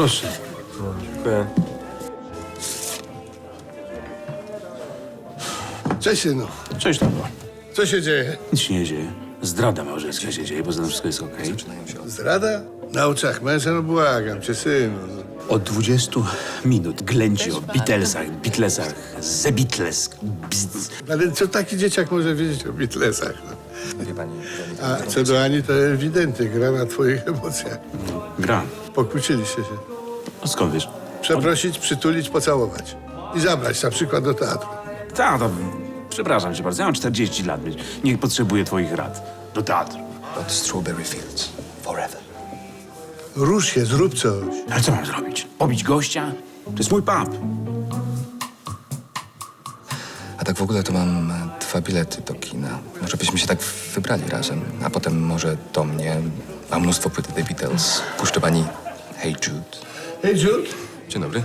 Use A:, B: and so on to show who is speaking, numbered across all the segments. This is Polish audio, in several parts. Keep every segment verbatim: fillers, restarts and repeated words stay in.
A: Proszę.
B: Dziękuję.
C: Cześć, synu.
A: Cześć, tato.
C: Co się dzieje?
A: Nic się nie dzieje. Zdrada małżeńska się dzieje, poza tym wszystko jest okej.
C: Zdrada? Na oczach męża? No błagam cię, synu.
A: Od dwudziestu minut ględzi o Beatlesach, Beatlesach, The Beatles. Bzz.
C: Ale co taki dzieciak może wiedzieć o Beatlesach? No?
B: Wie pani...
C: A co do Ani, to ewidentnie gra na twoich emocjach.
A: Gra.
C: Pokłóciliście się.
A: A skąd wiesz?
C: Przeprosić, przytulić, pocałować. I zabrać na przykład do teatru.
A: Tato, przepraszam cię bardzo, ja mam czterdzieści lat, nie potrzebuję twoich rad. Do teatru.
B: Od Strawberry Fields. Forever.
C: Rusz się, zrób coś.
A: Ale co mam zrobić? Pobić gościa? To jest mój pub.
B: A tak w ogóle to mam e, dwa bilety do kina. Może byśmy się tak wybrali razem, a potem może do mnie. Mam mnóstwo płyty The Beatles. Puszczę pani Hey Jude.
C: Hej, Jude.
B: Dzień dobry.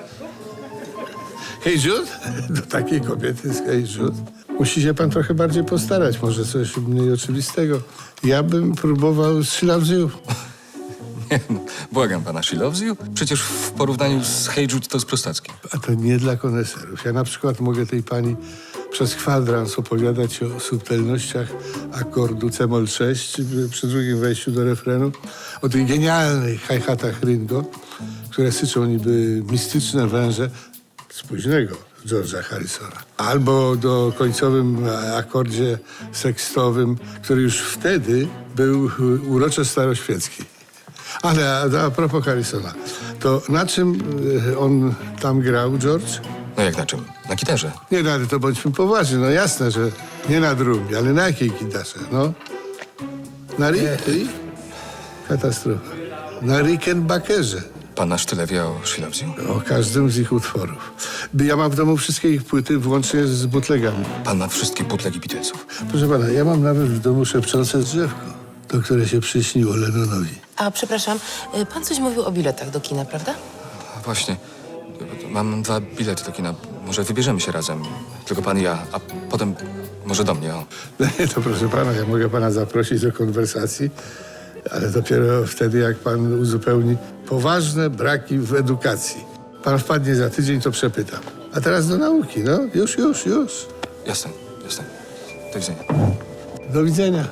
C: Hej, Jude. Do takiej kobiety jest Hej, Jude. Musi się pan trochę bardziej postarać. Może coś mniej oczywistego. Ja bym próbował She Loves You.
B: Nie, no, błagam pana, She Loves You? Przecież w porównaniu z Hey Jude to jest prostackie.
C: A to nie dla koneserów. Ja na przykład mogę tej pani przez kwadrans opowiadać o subtelnościach akordu C-moll sześć przy drugim wejściu do refrenu, o tych genialnych hi-hatach Ringo, które syczą niby mistyczne węże z późnego George'a Harrisona. Albo do końcowym akordzie sekstowym, który już wtedy był urocze staroświecki. Ale a, a propos Harrisona, to na czym y, on tam grał, George?
B: No jak na czym? Na gitarze.
C: Nie, no ale to bądźmy poważni. No jasne, że nie na drugi, ale na jakiej gitarze, no? Na Rick? Rick? Katastrofa. Na Rickenbackerze.
B: Pan aż tyle wie o She Loves You?
C: O każdym z ich utworów. Ja mam w domu wszystkie ich płyty, włącznie z bootlegami.
B: Pan ma wszystkie butlegi Beatlesów.
C: Proszę pana, ja mam nawet w domu szepczące drzewko, to które się przyśniło Lennonowi.
D: A przepraszam, y, pan coś mówił o biletach do kina, prawda?
B: A właśnie, mam dwa bilety do kina. Może wybierzemy się razem. Tylko pan i ja, a potem może do mnie, o.
C: No nie, to proszę pana, ja mogę pana zaprosić do konwersacji, ale dopiero wtedy, jak pan uzupełni poważne braki w edukacji. Pan wpadnie za tydzień, to przepytam. A teraz do nauki, no. Już, już, już.
B: Jasne, jasne. Do widzenia.
C: Do widzenia.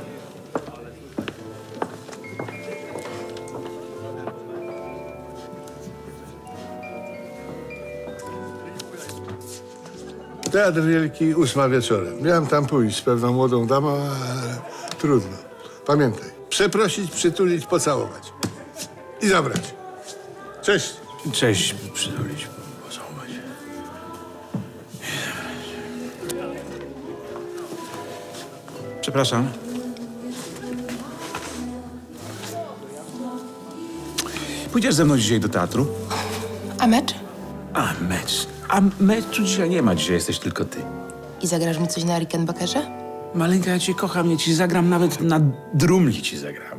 C: Teatr Wielki, ósma wieczorem. Miałem tam pójść z pewną młodą damą, ale trudno. Pamiętaj, przeprosić, przytulić, pocałować. I zabrać. Cześć.
A: Cześć, przytulić, pocałować. Przepraszam. Pójdziesz ze mną dzisiaj do teatru?
D: A mecz?
A: A mecz. A meczu dzisiaj nie ma, dzisiaj jesteś tylko ty.
D: I zagrasz mi coś na Rickenbackerze?
A: Maleńka, ja cię kocham, ja ci zagram, nawet na drumli ci zagram.